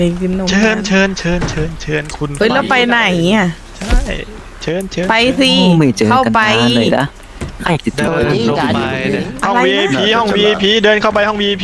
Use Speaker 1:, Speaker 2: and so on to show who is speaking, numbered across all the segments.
Speaker 1: กินนม
Speaker 2: เชิญคุณ
Speaker 1: เฮ้ยแล้วไปไหนอ่ะ
Speaker 2: ใช่เชิญ
Speaker 1: ไปสิ
Speaker 3: ไม่เจอ
Speaker 1: เข้า
Speaker 3: กัน
Speaker 1: ไป
Speaker 3: นานเลยนะใครจะเจ
Speaker 2: เดิ
Speaker 3: อน
Speaker 2: ลงไปเนี่ยห้อง
Speaker 1: อะไรนะ
Speaker 2: VIP ห้อง VIP เดินเข้าไปห้อง VIP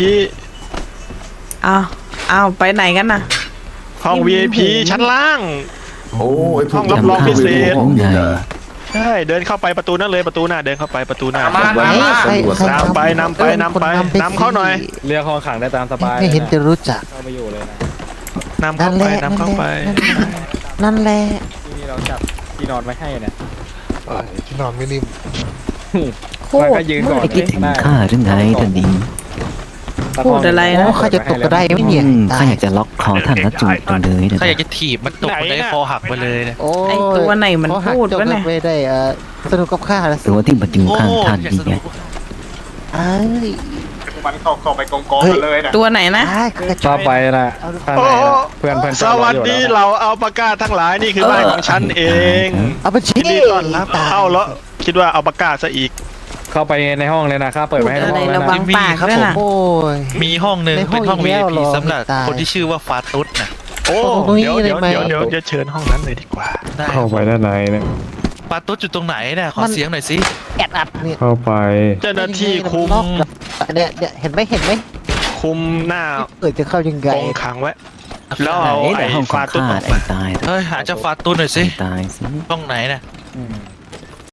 Speaker 1: อ้าวไปไหนกันน่ะ
Speaker 2: ห้อง VIP ชั้นล่าง
Speaker 4: โอ้ยพวก
Speaker 2: ห้องรับรองพิเศษ
Speaker 4: ห้องนี้นะ
Speaker 2: ใช่เดินเข้าไปประตูนั่นเลยประตูหน้าเดินเข้าไปประตูหน้า
Speaker 4: มา
Speaker 2: นำไปนำเข้าหน่อย
Speaker 5: เรียกห้องขังได้ตามสบาย
Speaker 6: ไม่เห็นจะรู้จัก
Speaker 5: เข้าไปอยู่เลยนะ
Speaker 2: นำเข้าไปนำเข้าไป
Speaker 6: นั่นแหละ
Speaker 5: ที่นี่เราจับที่นอนไว้ให้เนี่ย
Speaker 6: ที่นอนไม่นิ่ม
Speaker 5: มันก็ยืนก่อน
Speaker 3: ไม่คิดถึงข้าหรือไงท่านหญิง
Speaker 1: พูดอะไรนะ
Speaker 6: โอ้ข้าจะตกก็ได้ไม่เนี่ย
Speaker 3: ข้าอยากจะล็อกคอท่านแล้วจูบกันเลยนะ
Speaker 7: ถ้าอยากจะถีบมันตกมันได้คอหักไปเลยนะ
Speaker 6: โอ้
Speaker 1: ไอตัวไหนมัน
Speaker 6: เขาหัก
Speaker 1: พูด
Speaker 6: จบ
Speaker 1: วะเนี่ย
Speaker 6: ไปได้สนุกกับข้าแล้วสิ
Speaker 3: ตัวที่มาอยู่ข้างท่าน
Speaker 7: อยาก
Speaker 3: นี่
Speaker 7: ส
Speaker 3: ไง
Speaker 7: นุก
Speaker 6: เอ้ย
Speaker 8: มันเข้าไปกองกันเลยนะ
Speaker 1: ตัวไหนนะ
Speaker 6: ได้ข้าจะ
Speaker 5: เข้าไปนะข้างในนะเพื่อน
Speaker 2: สวัสดีเราเอาปากกาทั้งหลายนี่คือบ้านของฉันเอง
Speaker 6: เอาไปชี้
Speaker 2: ยินดีต้อนรับเข้าแล้วคิดว่าเอาปากกาซะอีก
Speaker 5: เข้าไปในห้องเลยนะข้าเปิดไว้ให้ทั้งห้องแล้ว
Speaker 1: ระวั
Speaker 5: นะ
Speaker 1: งปากด้วยนะ
Speaker 6: โอ้ย
Speaker 7: มีห้องหนึ่ง
Speaker 6: ในห้
Speaker 7: เป็
Speaker 6: อง
Speaker 7: นห้อง
Speaker 6: อีกแล้ว
Speaker 7: VIP
Speaker 6: เหรอ
Speaker 7: สำหรับ
Speaker 6: ตาย
Speaker 7: คนที่ชื่อว่าฟาตุสนะ
Speaker 2: โอ้
Speaker 6: ตรงนี้
Speaker 2: เดี๋ยว
Speaker 6: เลยไหม
Speaker 2: เดี๋ยวจะเชิญห้องนั้นเลยดีกว่า
Speaker 7: ได้
Speaker 5: เข้าไปด้านในเนี่ย
Speaker 7: ฟาตุสอยู่ตรงไหนเนี่ยขอเสียงหน่อยสิ
Speaker 6: แอดอัดเนี่ย
Speaker 5: เข้าไป
Speaker 2: เจ้าหน้าที่คุม
Speaker 6: เนี่ยเห็นไหม
Speaker 2: คุมหน้า
Speaker 6: จะเข้ายังไง
Speaker 2: กองขังไว้แล้วเอา
Speaker 3: ไหน
Speaker 2: ไอ้
Speaker 3: แต่ห้องของ
Speaker 2: ฟาตุ้
Speaker 3: ข้า
Speaker 2: ออก
Speaker 3: ไอ้
Speaker 2: มา
Speaker 3: ตาย
Speaker 7: เฮ้ยหาเจ้าฟาตุสหน่อยสิ
Speaker 3: ตายสิ
Speaker 7: ห้องไหนเนี่ย